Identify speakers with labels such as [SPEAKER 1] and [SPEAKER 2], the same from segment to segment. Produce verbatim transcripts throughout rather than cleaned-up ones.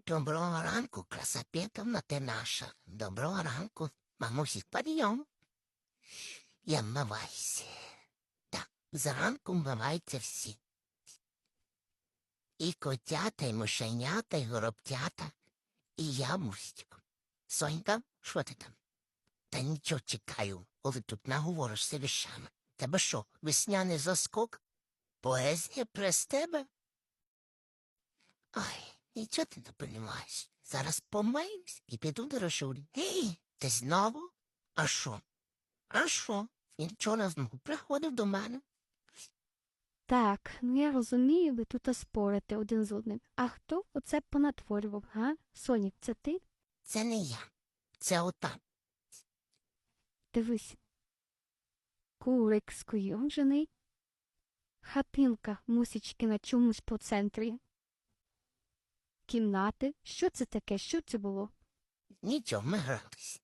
[SPEAKER 1] Доброго ранку, краса Петровна, ти наша. Доброго ранку, мамусік, підйом. Я вмиваюся. Так, зранку вмиваються всі. І котята, і мишенята, і горобтята, і я мустик. Сонька, що ти там? Та нічого чекаю, коли тут наговоришся віщами. Тебе що, весняний заскок? Поезія прес тебе? Ой, нічого ти не понімаєш. Зараз помиюсь і піду до Рошулі. Гей, ти знову? А що? А що? Він вчора знову приходив до мене.
[SPEAKER 2] Так, ну я розумію, ви тут спорите один з одним. А хто оце понатворював, га? Сонік, це ти?
[SPEAKER 1] Це не я. Це ота.
[SPEAKER 2] Дивись. Курик скуйовджений. Хатинка мусічки на чомусь по центрі. Кімнати. Що це таке? Що це було?
[SPEAKER 1] Нічого, ми грались.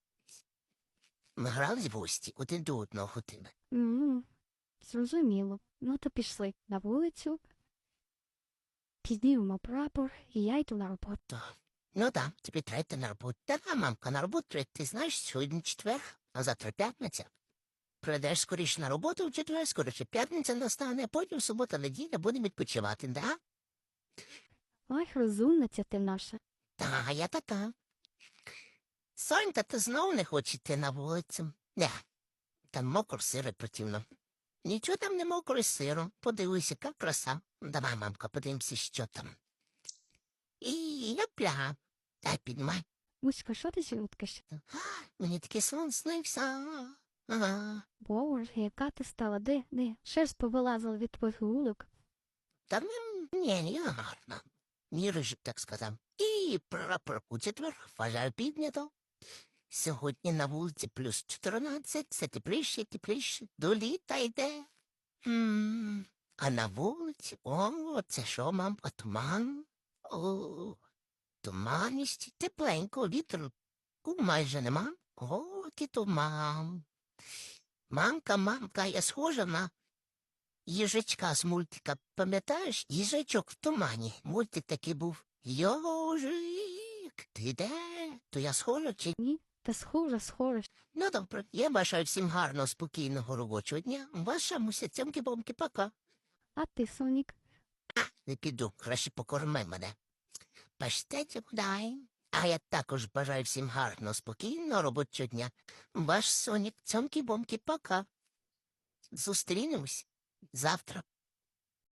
[SPEAKER 1] Ми грались в гості, один до одного тебе.
[SPEAKER 2] м Зрозуміло. Ну то пішли на вулицю. Піднімемо прапор, і я йду на роботу.
[SPEAKER 1] То. Ну так, тобі треба йти на роботу. Та да, мамка, на роботу треба. Ти знаєш, сьогодні четвер, а завтра п'ятниця. Прийдеш скоріше на роботу в четвер, скоріше п'ятниця настане, а потім субота, неділя будемо відпочивати, да?
[SPEAKER 2] Ой, розумниця ти наша.
[SPEAKER 1] Та, я така. Сонька, ти знов не хоче йти на вулицю? Не, там мокро сиро противно. Нічого там не мокро і сиро. Подивися, яка краса. Давай, мамка, подивимося, що там. І япля. Дай піднімай.
[SPEAKER 2] Муська, що ти жуткиш?
[SPEAKER 1] Мені такий сон снився. Ага.
[SPEAKER 2] Боже, яка ти стала? Де? Де? Шерсть повилазила від твоїх гулок.
[SPEAKER 1] Та м, ні, ні, я гарна. Мій рижик так сказав. І прапор у четвер вважаю піднято. Сьогодні на вулиці плюс чотирнадцять, все тепліше, тепліше, до літа йде. М, А на вулиці, о, це що, мамка, туман? О, туманність, тепленько, вітру майже нема. О, який туман. Мамка, мамка, я схожа на їжачка з мультика. Пам'ятаєш? Їжачок в тумані. Мультик такий був. Йожик, ти де? То я схожа чи
[SPEAKER 2] Ні, та схожа, схожа.
[SPEAKER 1] Ну, добре, я бажаю всім гарного, спокійного робочого дня. Ваша муся цьомки-бомки, пока.
[SPEAKER 2] А ти, Сонік?
[SPEAKER 1] Не піду, краще покорми мене. Паштеті подай. А я також бажаю всім гарного, спокійного робочого дня. Ваш Сонік, цьомки-бомки, пока. Зустрінемось завтра.